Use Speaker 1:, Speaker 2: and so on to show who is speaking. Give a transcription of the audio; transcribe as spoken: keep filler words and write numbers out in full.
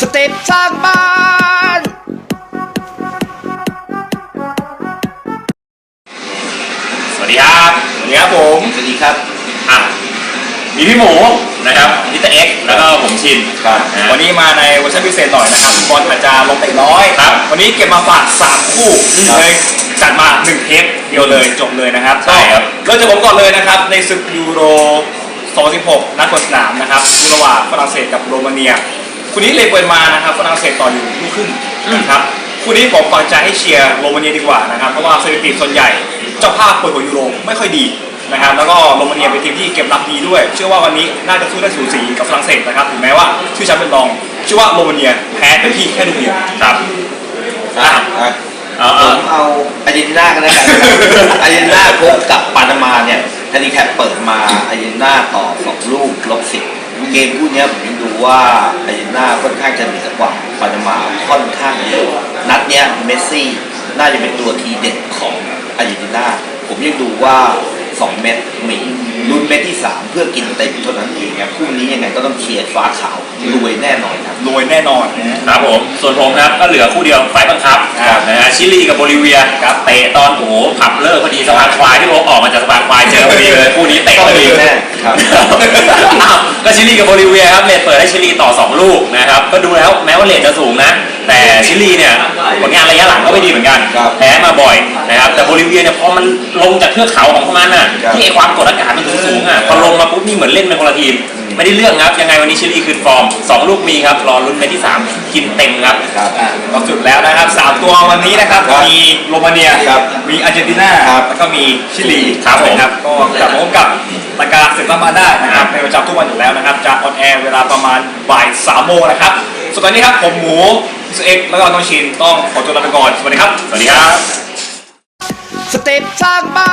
Speaker 1: เต็ปสร้างบ้าน
Speaker 2: สวัสดีครับสวัสดีครับผมสวัสดีครับอ่ะมีพี่หมูนะครับนิตเอ็กแล้วก็ผมชินครับวันนี้มาในเวอร์ชันพิเศษหน่อยนะครับบอลอาจจะลงเตะน้อยครับวันนี้เก็บมาฝากสามคู่เลยจัดมาหนึ่งเทปเดียวเลยจบเลยนะครับใช่ครับเริ่มจากผมก่อนเลยนะครับในศึกยูโรสองพันสิบหกนัดเปิดสนามนะครับระหว่างฝรั่งเศสกับโรมาเนียคู่นี้เลยเปิดมานะครับฝรั่งเศสต่ออยู่ลูกครึ่งนะครับคู่นี้ผมปักใจให้เชียร์โรมาเนียดีกว่านะครับเพราะว่าสถิติส่วนใหญ่เจ้าภาพเปิดหัวยูโรไม่ค่อยดีนะครับแล้วก็โรมาเนียเป็นทีมที่เก็บรับดีด้วยเชื่อว่าวันนี้น่าจะสู้ได้สูสีกับฝรั่งเศสนะครับถึงแม้ว่าชื่อแชมป์เป็นรองเชื่อว่าโรมาเนียแพ้เป็นที่แค่ลูกเดียวครับ
Speaker 3: อ่ะเอาเอาอาร์เจนตินากันแล้วกันอาร์เจนตินาพบกับปานามาเนี่ยแฮนดิแคปเปิดมาอาร์เจนตินาต่อสองลูกลบสิบเกมคู่นี้ผมยังดูว่าอาร์เจนตินาค่อนข้างจะเหนือกว่าปานามาค่อนข้างเยอะนัดเนี้ยเมสซี่น่าจะเป็นตัวทีเด็ดของอาร์เจนตินาผมยังดูว่าสองเม็ดมีลุ้นเม็ดที่สามเพื่อกินเต็มเท่านั้นเองครับคู่นี้ยังไงก็ต้องเชียร์ฟ้าขาวรวยแน่นอนครับ
Speaker 2: รวยแน่นอนครับผมส่วนผมครับก็เหลือคู่เดียวไฟบังคับนะฮะชิลีกับโบลิเวียครับเตะตอนโอ้โหผับเลิกพอดีสะพานควายที่ผมออกมาจากสะพานควายเจอพอดีเลยคู่นี้เตะพอดี
Speaker 3: แน่ครับ
Speaker 2: ก็ชิลีกับโบลิเวียครับเลทเปิดให้ชิลีต่อสองลูกนะครับก็ดูแล้วแม้ว่าเลทจะสูงนะแต่ชิลีเนี่ยผลงานระยะหลังก็ไม่ดีเหมือนกันแพ้มาบ่อยนะครับแต่โบลิเวียเนี่ยพอมันลงจากเทือกเขาของพวกมันน่ะที่ไอความกดอากาศมันสูงๆอ่ะพอลงมาปุ๊บนี่เหมือนเล่นเป็นคนละทีมไม่ได้เรื่องครับยังไงวันนี้ชิลีคืนฟอร์มสองลูกมีครับรอลุ้นเม็ดที่สามกินเต็มครับก็สุดแล้วนะครับสามตัววันนี้นะครับมีโรมาเนียมีอาร์เจนตินาแล้วก็มีชิลีครับผมครับก็กลับมาพบกับรายการศึกล้ำมาได้นะครับเป็นประจำทุกวันอยู่แล้วนะครับจะออนแอร์เวลาประมาณบ่ายสามโมงนะครับส่วนตอนนี้ครับผมหมูสเอ็กแล้วก็น้องชินต้องขอตัวลาไปก่อนสวัสดีครับสวัสดีครับ
Speaker 1: สเต็ปสร้างบ้าน